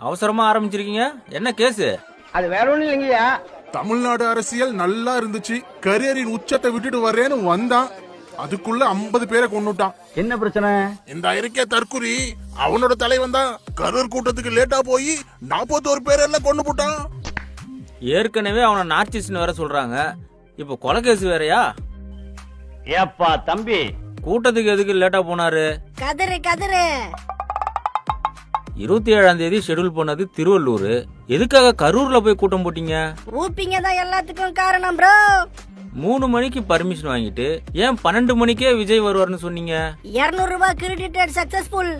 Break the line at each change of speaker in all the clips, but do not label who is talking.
அவசரமா ஆரம்பிச்சிருக்கீங்க, என்ன கேஸ்?
அது வேற ஒண்ணும் இல்லைங்கய்யா.
தமிழ்நாடு அரசியல் நல்லா இருந்துச்சு, கரியரின் உச்சத்தை விட்டுட்டு வர்றேன்னு வந்தான், அதுக்குள்ள 50 பேரை கொன்னுட்டான்.
என்ன பிரச்சனை?
இந்த இருக்கே தற்குறி, அவனோட தலைவன் தான் கரூர் கூட்டத்துக்கு லேட்டா போய் 41 பேர் எல்லாம் கொண்டு போட்டான்.
ஏற்கனவே அவனை நார்சிஸ்ட்னு வேற சொல்றாங்க, இப்ப கொலை கேஸ் வேறயா?
ஏப்பா தம்பி,
கூட்டத்துக்கு எதுக்கு லேட்டா போனாரு?
கதறு கதறு.
27ஆம் தேதி ஷெட்யூல் பண்ணது திருவள்ளூர், எதுக்காக கரூர்ல போய் கூட்டம் போட்டீங்க?
ஊப்பிங்க தான் எல்லாத்துக்கும் காரணம் ப்ரோ.
3 மணிக்கு பர்மிஷன் வாங்கிட்டு ஏன் 12 மணிக்கே விஜய் வருவார்னு சொன்னீங்க?
200 ரூபாய் கிரெடிட்டட் சக்சஸ்ஃபுல்.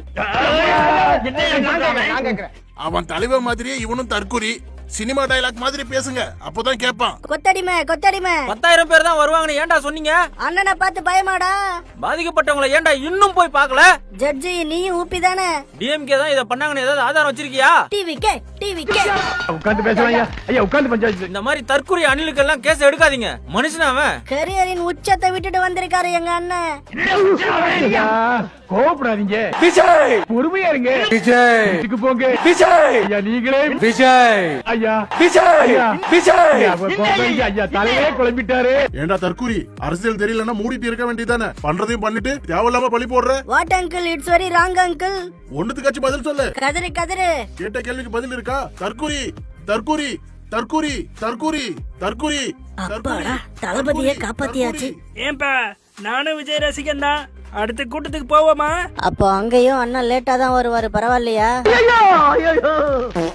அவன் தலைவர் மாதிரியே இவனும் தற்குறி, சினிமா டயலாக் மாதிரி பேசுங்க, அப்பதான் கேட்பான்.
கொத்தடிமை கொத்தடிமை.
10,000 பேர் தான் வருவாங்கன்னு ஏன்டா சொன்னீங்க?
அண்ணனை பார்த்து பயமாடா?
பாதிக்கப்பட்டவங்களை ஏன்டா இன்னும் போய் பார்க்கல?
ஜட்ஜி நீயும் ஊப்பி தானே?
டிஎம்கே தான் இத பண்ணாங்கன்னு ஏதாவது ஆதாரம் வச்சிருக்கியா?
டிவிக்கே டிவிக்கே.
உட்கார்ந்து பேசலாம் ஐயா, உட்கார்ந்து பஞ்சாயத்து.
இந்த மாதிரி தற்குறி அணிலுக்கு எல்லாம் கேஸ் எடுக்காதீங்க, மனுஷன் அவன்.
கரியரின் உச்சத்தை விட்டுட்டு வந்திருக்காரு எங்க அண்ணன்.
கோபப்படாதீங்க விஜய், பொறுமையா இருங்க விஜய். இதுக்கு போங்க விஜய். ஐயா நீங்களே விஜய். ஐயா விஜய் விஜய். ஐயா தலையே குழம்பிட்டாரு.
ஏண்டா தற்குறி, அரசியல் தெரியலன்னா மூடிட்டு இருக்க வேண்டியதானே, பண்றதையும் பண்ணிட்டு தேவையில்லாம பழி போடுற.
What uncle, it's very wrong uncle.
ஒண்ணுத்துக்காச்சும் பதில் சொல்லு.
கதறு கதறு.
கேட்ட கேள்விக்கு பதில் இருக்கா? தற்குறி தற்குறி தற்குறி தற்குறி தற்குரி.
அப்பாடா, தளபதியை காப்பாத்தியாச்சு.
ஏன்பா, நானும் விஜய் ரசிகன் தான். அடுத்த கூட்டத்துக்கு போவோமா?
அப்போ அங்கேயும் அண்ணா லேட்டா தான் வருவாரு, பரவாயில்லையா?